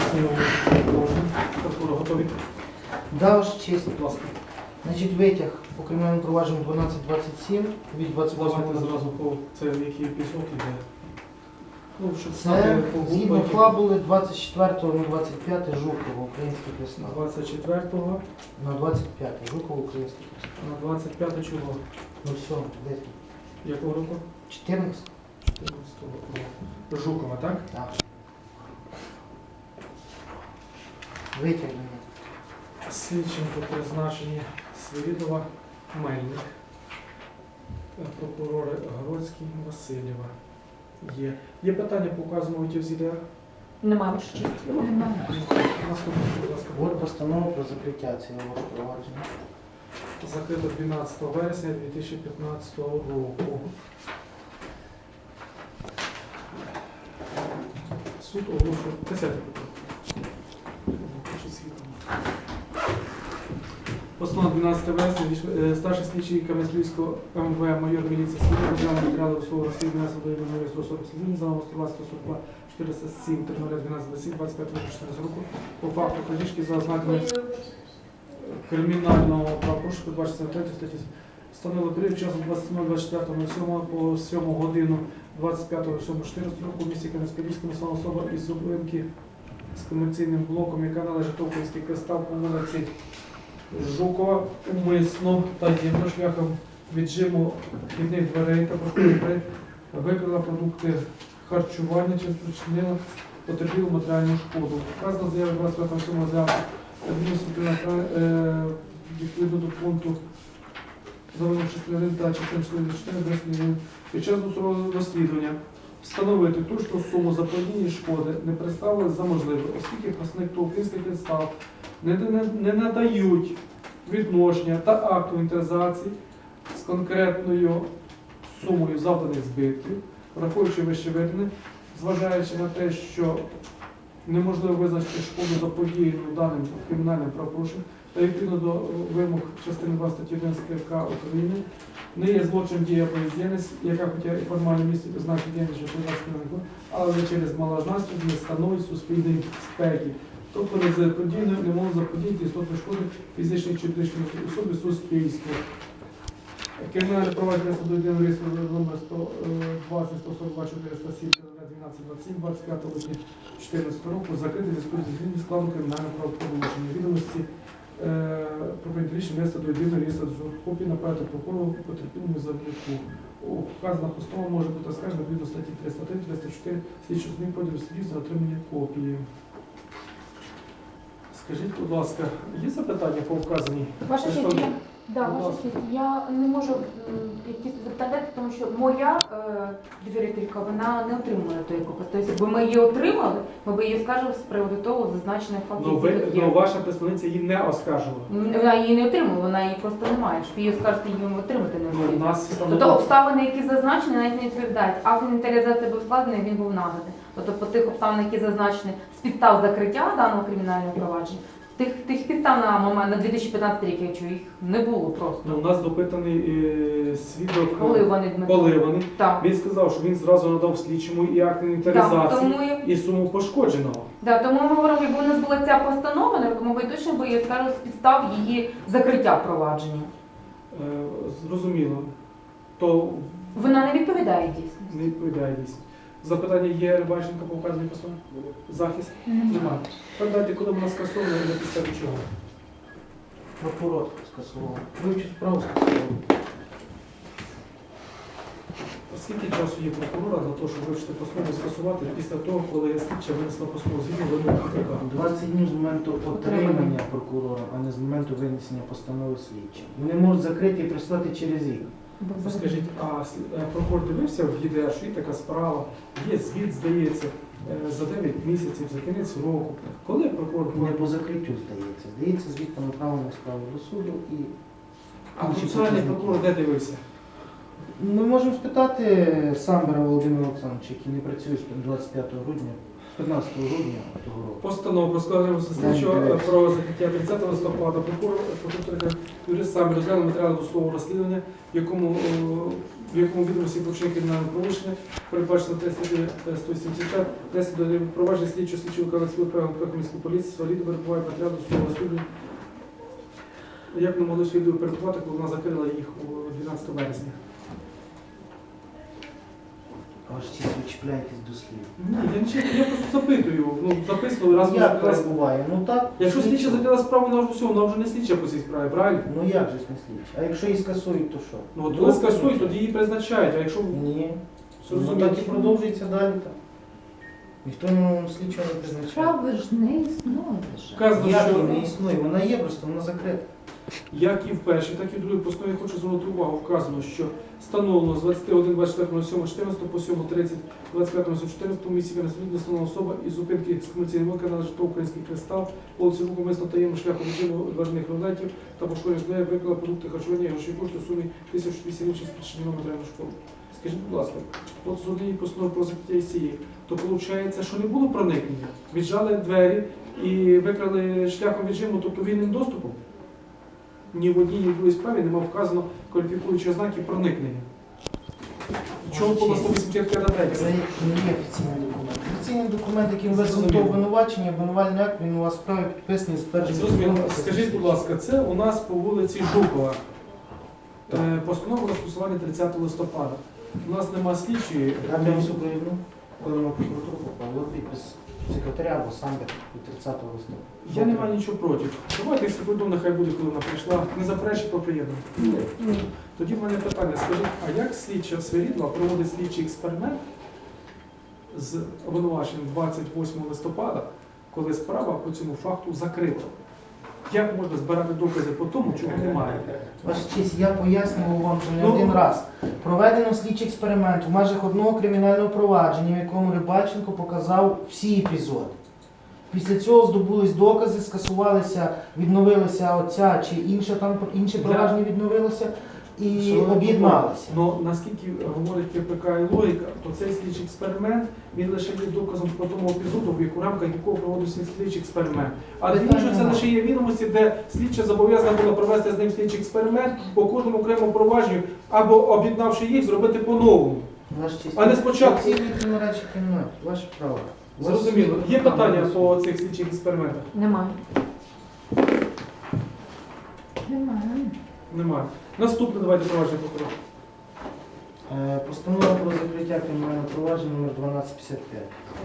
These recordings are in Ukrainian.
пояснюю положення. Прокурор готові? Да, ваша честь. Будь ласка. Значить, витяг по кримінальному провадженню 1227 від 28 Давайте зразу по це який епізод іде. Ну, щоб Це знати по згідно групах. фабули 24.05 Жукова, український Кресна. 24-го На 25 Жукова, український Кресна. на 25 чого? Ну все, десь. Якого року? 14? 14-го року. Жукова, так? Так. Витяг до мене. Слідчим по призначенні Свирідова, Мельник, прокурори Гродський, Васильєва. Є питання по указаному витягу з ІДР? Немає ваша честь. Немає. Наступне, будь ласка. От постанова про закриття цього провадження. Закрито 12 вересня 2015 року. Суд оголошує 10 питання. Постанова 12 вересня, старший слідчий Кам'янського МВ, майор міліції Сергій розглянув матеріали у свого розслідування судового 140 слідів за номером 142 407 0012 25 14 року по факту крадіжки за ознаками кримінального правопорушення, передбачено 3 статті. Встановили період часу 27.24.07 по 7 годину 25.07.14 року в місті Кам'янськ-Подільському стала особа із зупинки з комерційним блоком, яка належить до Український кристал по вулиці Жукова, умисно та єдно шляхом віджиму вхідних дверей та прокурори викрила продукти харчування чи спричинила потерпілу матеріальну шкоду. Вказана заява 25.07 розглянута адміністративна відповідно до пункту номер 61 та частини 44 під час досудового розслідування встановити точну суму заподіяної шкоди не представили за можливе, оскільки представник ТОВ «Український кристал» не надають відношення та акту інвентаризації з конкретною сумою завданих збитків, враховуючи вищевидане, зважаючи на те, що неможливо визначити шкоду заподіяну даним кримінальним правопорушенням та відповідно до вимог частини 2 статті 11 КПК України, не є злочин дія бездіяльність, яка хоча і формально містить ознаки діяльності, але через малозначність не становить суспільної безпеки. Тобто подійно не можуть заподіяти істотну шкоду фізичній чи юридичній особі суспільству. Кримінальне провадження судового реєстру номер 120 142 407 12 27 25 липня 2014 року закрите зв'язку зі зміною складу кримінального правопорушення. Відомості про прийняття рішення внести до єдиного реєстру копії направити прокурору потерпілому завдяку. Вказана постанова може бути оскаржена відповідно статті 303 304 слідчого змін поділу слідів за отримання копії. Скажіть, будь ласка, є запитання по вказаній? Ваша честь, ваша честь, я не можу якісь запитати, тому що моя довірителька, вона не отримує тої копії. Тобто, якби ми її отримали, ми б її оскаржили з приводу того зазначених фактів. Ну, ваша представниця її не оскаржувала. Вона її не отримала, вона її просто не має. Щоб її оскаржити, її отримати не Ну, у можна. нас Тобто обставини, які зазначені, навіть не відповідають. Акт інвентаризації був складений, він був наданий. Тобто по тих обставин, які зазначені з підстав закриття даного кримінального провадження, тих підстав на момент, на 2015 рік, я чую, їх не було просто. Ну, у нас допитаний свідок Поливаний. Так. Він сказав, що він зразу надав слідчому і акт інвентаризації, і суму пошкодженого. Тому ми говоримо, якби у нас була ця постанова, ми точно б її скажемо з підстав її закриття провадження. Зрозуміло. То Вона не відповідає дійсно. не відповідає дійсно. Запитання є Рибальченко по вказаній постанові? Захист? Немає. Передайте, коли вона скасована і на підставі чого? Прокурор скасував. Вивчив справу скасував. Скільки часу є прокурора для того, щоб вивчити постанову скасувати після того, коли слідча винесла постанову згідно вимог КПК? 20 днів з моменту отримання прокурором, а не з моменту винесення постанови слідчим. Вони можуть закрити і прислати через рік. Скажіть, а прокурор дивився в ЄДР, що є така справа, є звіт, здається, за 9 місяців, за кінець року. Коли прокурор Не по закриттю здається. Здається, звіт по направленню справи до суду і... А процесуальний прокурор де дивився? Ми можемо спитати Самбера Володимира Олександровича, який не працює з 25 грудня. 15 грудня того року. Постанову про складення слідчого про закриття 30 листопада прокурор юрист сам розглянув матеріали досудового розслідування, в якому відомості про вчинення кримінального правопорушення передбачено статті 170, внесено до провадження слідчого виконавців правил міської поліції, сваліду перебуває матеріал досудового розслідування. Як ми могли свідомо перебувати, коли вона закрила їх у 12 вересня? Аж ті ви чіпляєтесь до слів. Ні, я просто запитую. Записували раз вона Як закрила. перебуває? Ну так. Якщо слідча закрила справу, вона вже не слідча по цій справі, правильно? Ну як же ж не слідча? А якщо її скасують, то що? Ну от коли скасують, тоді її призначають, а якщо Ні. Ну зрозуміло. так і продовжується далі так. Ніхто слідчого не призначає. Справи ж не існує вже. Вказано, Як що вона не існує? Вона є, просто вона закрита. як і в першій, так і в другій постанові хочу звернути увагу. Вказано, що встановлено з 21.24.07.14 по 7.30 25.07.14 місці Кінесвіт встановлена особа із зупинки з комерційним виконання на житло «Український кристал», вулиці Руку, мисно таємно шляхом режиму дважних рулетів та пошкодження здоров'я виклала продукти харчування і грошові кошти у сумі 1008 гривень з причиною матеріальну школу. Скажіть, будь ласка, от з однієї постанови про закриття ІСІ, то виходить, що не було проникнення? Віджали двері і викрали шляхом віджиму, тобто вільним доступом? Ні в одній, ні в другій справі нема вказано кваліфікуючі ознаки проникнення. Чому по 185 Це не є офіційний документ. Офіційний документ, яким висунуто обвинувачення, обвинувальний акт, він у вас справі підписаний з першим. Зрозуміло. Скажіть, будь ласка, це у нас по вулиці Жукова. Постанова про скасування 30 листопада. У нас нема слідчої. Там я супровідну, коли ми в прокуратуру попали, от підпис секретаря або самбір від 30 листопада. Я не маю нічого проти. Давайте секунду, нехай буде, коли вона прийшла. Не заперечить, то приєднано. Тоді в мене питання. Скажіть, а як слідча Свирідла проводить слідчий експеримент з обвинуваченням 28 листопада, коли справа по цьому факту закрита? Як можна збирати докази по тому, чого немає? Ваша честь, я пояснював вам вже не Ну, один раз. Проведено слідчий експеримент в межах одного кримінального провадження, в якому Рибальченко показав всі епізоди. Після цього здобулись докази, скасувалися, відновилися оця чи інше інше провадження відновилося і об'єдналися. Ну, наскільки говорить КПК і логіка, то цей слідчий експеримент, він лише є доказом по тому епізоду, в рамках якого проводився слідчий експеримент. А Питання інше це немає. лише є відомості, де слідча зобов'язана була провести з ним слідчий експеримент по кожному окремому провадженню, або об'єднавши їх, зробити по-новому. Ваша честь, А не спочатку. ці відповідні речі кримінальні, ваше право. Зрозуміло. Є питання по цих слідчих експериментах? Немає. Немає. Немає. Наступне, давайте провадження прокурора. Постанова про закриття кримінального провадження номер 1255.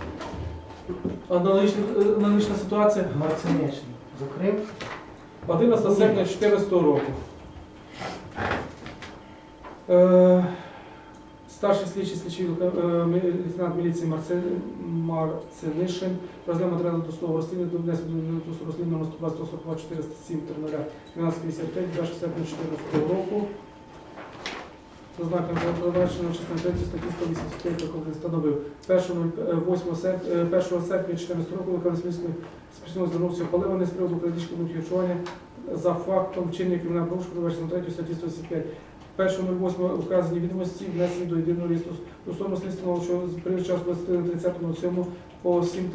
Аналогічна ситуація. Марцинишин закрив. 11 серпня 2014 року. Старший слідчий лейтенант міліції Марцинишин розглянув матеріали досудового розслідування до внесення до досудового розслідування номер 122 407 1355 2 серпня 2014 року. За знаком передбаченого частини 3 статті 185 якого встановив 1 серпня 2014 року виконавець міської спільноти звернувся Паливаний з приводу крадіжки харчування за фактом вчинення кримінального порушення, передбаченого 3 статті 185. 1.08 вказані відомості внесені до єдиного реєстру. Стосовно слідства, що з період часу 23.30.07 по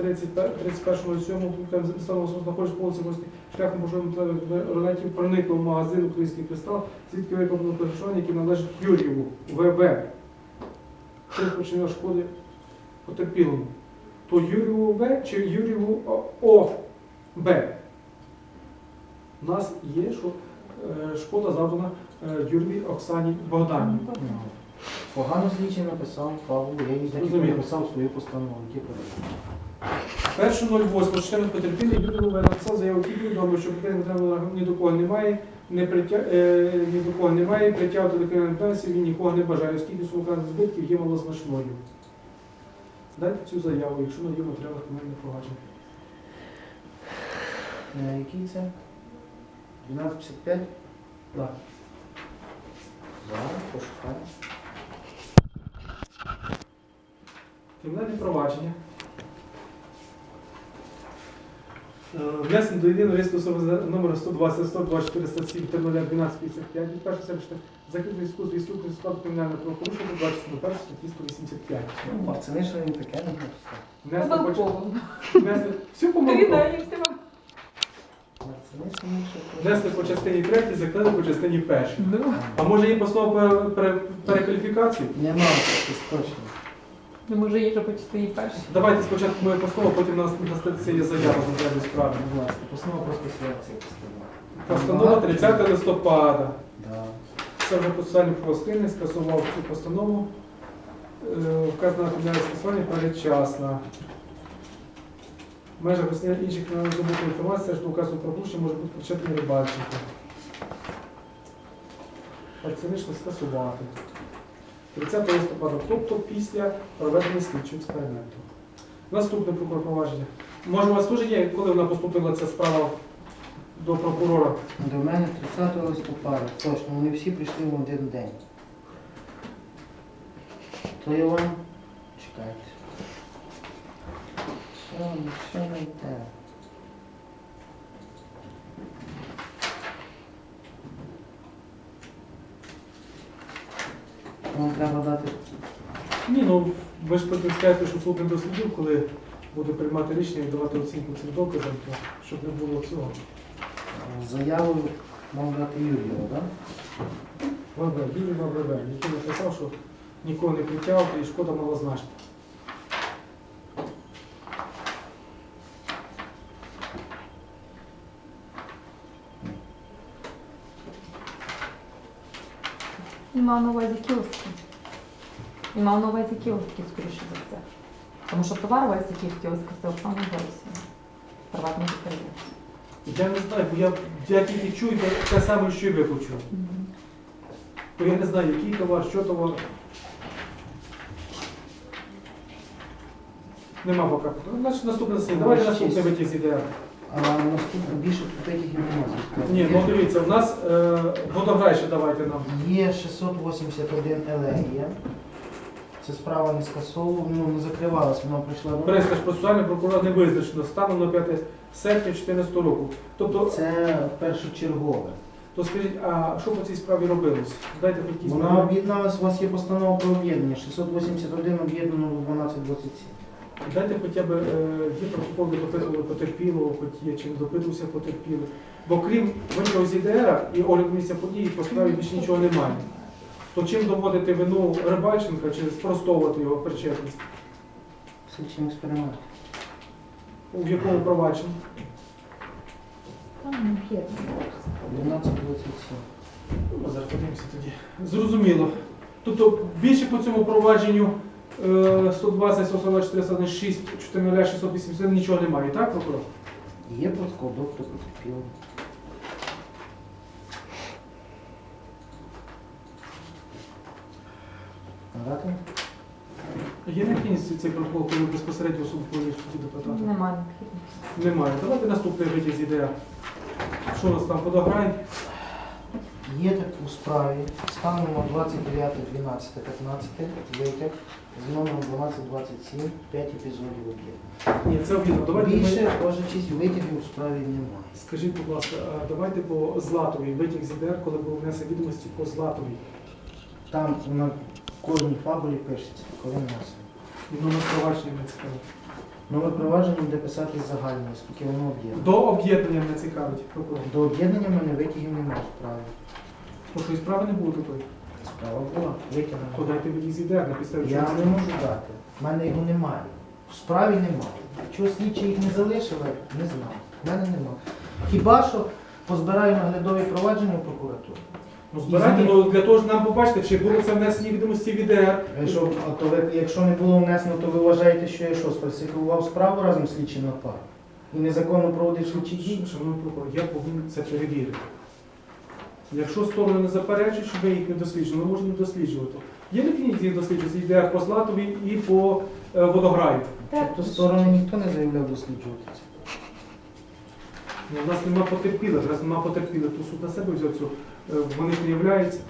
7.31.07 встановлено знаходиться по вулиці Морській шляхом можливих рулетів проникло в магазин «Український кристал», звідки виконано перешкоджання, яке належить Юрієву ВВ. Це спричинило шкоди потерпілому. То Юрієву В чи Юрієву ОБ? У нас є, що шкода завдана Юрій Оксані Богдані. Погано слідчий написав фабулу, я її Зрозуміло. написав свою постанову. 1.08 потерпілий Юрій написав заяву тільки відомо, що питання ні до кого немає, ні до кого немає, притягувати до кримінальної відповідальності він нікого не бажає, оскільки сума збитків є малозначною. Дайте цю заяву, якщо надію матеріали кримінального провадження. Який це? 12.55? Так. Зараз пошукаю. Кримінальне провадження. Внесено до єдиного реєстру особи за номером 120 124 107 0012 55 від 1 серпня закритий зв'язку з відсутністю складу кримінального правопорушення, передбачено до 1 статті 185. Пацани, що він таке не написав. Внесли всю помилку. Пацани, що він що Внесли по частині 3, закрили по частині 1. А може є постанова перекваліфікації? Нема таких точно. Не може є, що почти її перші. Давайте спочатку моє постанова, потім на статті є заява за даною справи. Будь ласка, постанова просто селекції постанова. Постанова 30 листопада. Да. Це вже процесуальний правосуддя скасував цю постанову. Вказана кримінальне скасування передчасна. В межах вияснення інших кримінальних здобутих інформації, що указу про порушення може бути причетний Рибальченко. Оцінично скасувати. 30 листопада, тобто після проведення слідчого експерименту. Наступне прокурор провадження. Може у вас теж є, коли вона поступила ця справа до прокурора? До мене 30 листопада. Точно, вони всі прийшли в один день. То я вам... Чекайте. Що не йде? Вам треба дати... Ні, ну ви ж потім скажете, що суд не дослідив, коли буде приймати рішення і давати оцінку цим доказам, то щоб не було цього. Заяву мав дати Юрію, так? ВВ, Юрій ВВ, який написав, що нікого не притягав і шкода малозначна. Він мав на увазі кіоски. Він мав на увазі кіоски, скоріше за це. Тому що товар весь, який в кіосках, це Оксана Борисівна. Приватний підприємець. Я не знаю, бо я тільки чую те саме, що і ви почули. Бо я не знаю, який товар, що товар. Нема поки. Значить, наступне засідання. Давайте наступне витяг з ідея. А наступно більше витягів немає. Ні, ну дивіться, в нас водограй ще давайте нам. Є 681 елегія. Це справа не скасовувала, ну не закривалась, вона прийшла до Престиж процесуальний прокурор не визначено станом на 5 серпня 2014 року. Тобто, Це першочергове. то скажіть, а що по цій справі робилось? Дайте хоч якісь. Вона об'єдналась, у вас є постанова про об'єднання. 681 об'єднано в 1227. Дайте хоча б є протокол, де допитували потерпілого, хоч є чим допитувався потерпілий. Бо крім витягу з ІДР і огляду місця події, по справі більше нічого немає. То чим доводити вину Рибальченка чи спростовувати його причетність? Слідчим експеримент. У якому провадженні? Там не є. 1227. Ну, зараз подивимося тоді. Зрозуміло. Тобто більше по цьому провадженню 120, 144, 106, 400, 680 нічого немає, так, прокурор? Є протокол, доктор потерпілий. Надати? Є необхідність цей протокол, коли безпосередньо суд провів суді депутата? Немає необхідності. Немає. Давайте наступний витяг з ідея. Що у нас там, водограй? Є так у справі станом на 29.12.15 витяг з номером 1227, 5 епізодів об'єднання. Ні, це об'єднано. Давайте Більше, ми... кожа честь витягів у справі немає. Скажіть, будь ласка, а давайте по Златовій, витяг з ідея, коли був внесені відомості по Златовій. Там на кожній фабулі пишеться, коли внесено. І номер провадження не цікавить. Номер провадження буде писати загально, оскільки воно об'єднано. До об'єднання не цікавить прокурор. До об'єднання в мене витягів немає у справі. Тому що і справи не було такої. Справа була, То витягнена. дайте витяг з ідея, на підставі Я чого. не можу дати. В мене його немає. В справі немає. Чого слідчі їх не залишили, не знаю. В мене немає. Хіба що позбираю наглядові провадження в прокуратуру. Ну збирайте, ну для того ж нам побачити, чи було це внесені відомості в ідея. Якщо не було внесено, то ви вважаєте, що я що, сфальсифікував справу разом з слідчим на пару? І незаконно проводив слідчі дії? Шановний прокурор, я повинен це перевірити. Якщо сторони не заперечують, що ви їх не досліджували, ми можемо їх досліджувати. Є необхідність їх досліджувати з ідея по Златовій і по водограю. Тобто сторони ніхто не заявляв досліджувати це. У нас нема потерпілих, раз нема потерпілих, то суд на себе взяв цю, вони ж не являються.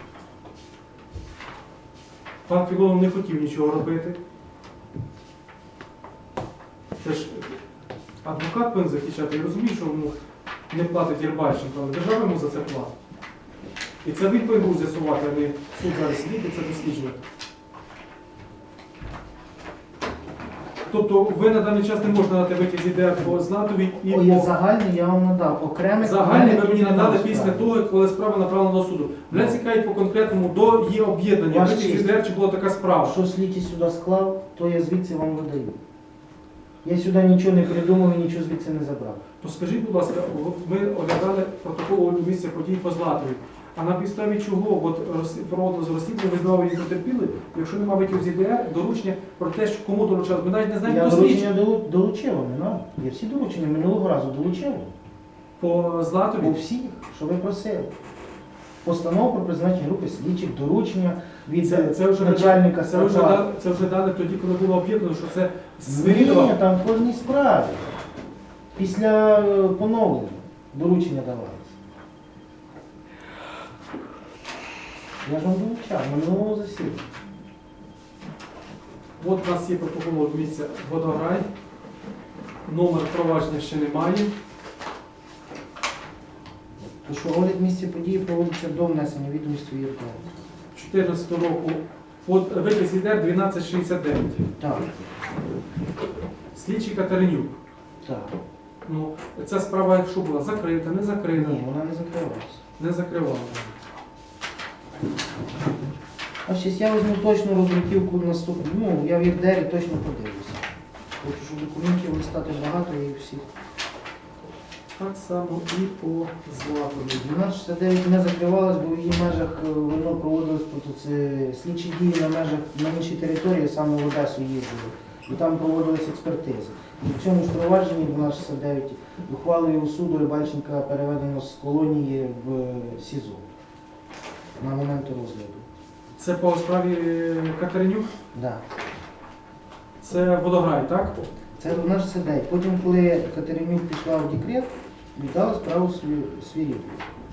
Пан Філонов не хотів нічого робити. Це ж Адвокат повинен захищати. Я розумію, що йому не платить Єрбальченко, але держава йому за це платить. І це він повинен був з'ясувати, а не суд зараз сидіти і це досліджувати. Тобто ви на даний час не можете надати витяг з ідеї по Златовій і Ой, по... загальний я вам надав. Окремий Загальний ви мені надали справи. після того, коли справа направлена до суду. Мене цікавить по конкретному до її об'єднання. Ваша Витяг з честь. ідеї, чи була така справа. Що слідчий сюди склав, то я звідси вам видаю. Я сюди нічого не придумав і нічого звідси не забрав. То скажіть, будь ласка, ми оглядали протокол огляду місця подій по Златовій. А на підставі чого от проводилось розслідування, ви знову її потерпіли, якщо немає витягу з ідеї, доручення про те, що кому доручалось, ми навіть не знаємо, Я хто слідчий. доручення долучив вам, не надо. Я всі доручення минулого разу долучив вам. По По Златовій. всіх, що ви просили. Постанова про призначення групи слідчих, доручення від Це вже начальника це вже, СРП. це вже дали тоді, коли було об'єднано, що це Ні, Свирідова. там в кожній справі. Після поновлення доручення давалися. Я ж вам долучав, минулого засідання. От у нас є протокол огляду місця Водограй. Номер провадження ще немає. То що огляд місця події проводиться до внесення відомості в ЄРДР. 2014 року витяг з ідеї 1269. Так, Слідчий Катеринюк. так. Ну, ця справа, якщо була закрита, не закрита, Ні, вона не закривалася. не закривала. А щось я візьму точну роздруківку наступну. Ну, я в ЄРДРі точно подивлюся. Хочу, щоб документів листати багато і всіх. Так само і по Златовій. 1269 не закривалась, бо в її межах воно проводилось слідчі дії на іншій території, саме в Одесу їздили. І там проводились експертизи. І в цьому ж провадженні 1269 ухвалою суду Рибальченка переведено з колонії в СІЗО на момент розгляду. Це по справі Катеринюк? Да. Це Водограй, так? Це 1269. Потім, коли Катеринюк пішла в декрет, віддала справу Свирідові.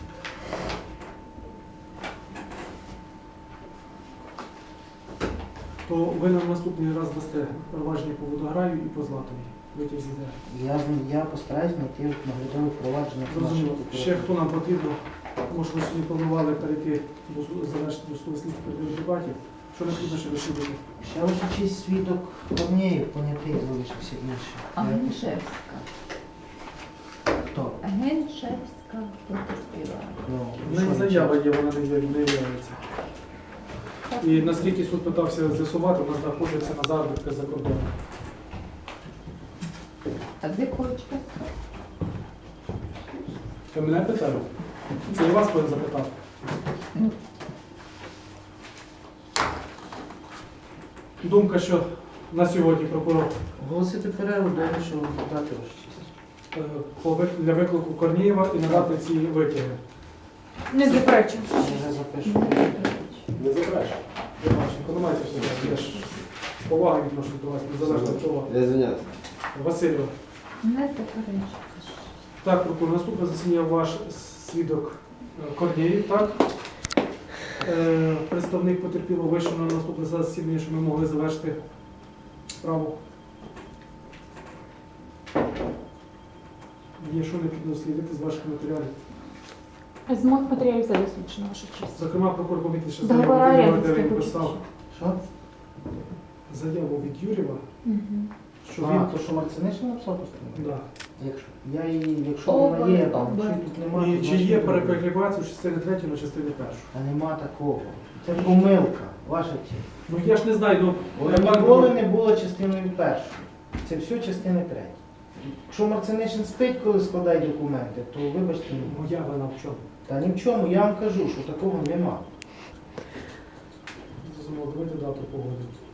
То ви нам наступний раз дасте провадження по Водограю і по Златовій. Витяг з ідеї. Я постараюсь знайти наглядове впровадження. Зрозуміло. Ще хто нам потрібно? Може, ви сьогодні планували перейти до завершити до суду слідчих передових дебатів. Що необхідно ще дослідити? Ще ваша честь свідок Корнєєв, понятий залишився інший. Геншевська. Хто? Геншевська потерпіла. Ну, В неї що заява він є, вона не являється. І наскільки суд питався з'ясувати, вона знаходиться на заробітках за кордоном. А де кочка? Ви мене питали? Це і вас повинен запитати. Ну. Думка, що на сьогодні прокурор Оголосити перерву, до що дати ваша честь. для виклику Корнієва і надати ці витяги. Не заперечую. Я вже запишу. Не заперечу. Романченко, не майте все. Я ж з повагою відношу до вас, незалежно від того. Я извиняюсь. Васильо. Не заперечую. Так, прокурор, наступне засідання ваш свідок Корнієв, так? Представник потерпілого вийшов на наступне засідання, щоб ми могли завершити справу. Є що необхідно дослідити з ваших матеріалів. З моїх матеріалів забезпечено, ваша честь. Зокрема, прокурор помітив, що Договора заяву оренди від Юрєва, він скажіть. писав Що? заяву від Юрєва, що А, він... то, що Марцинишин написав постанову? Да. Якщо вона є, там, якщо її тут немає, І то чи значить є не буде. перекваліфікація з частини 3 на частини 1? Та нема такого. Це помилка, ваша честь. Ну я ж не знаю, ну... Вона ніколи не була частиною першою. Це все частини третьої. Якщо Марцинишин спить, коли складає документи, то вибачте мені. Моя вина в чому? Та ні в чому, я вам кажу, що такого нема. Зрозуміло, давайте дату погодити.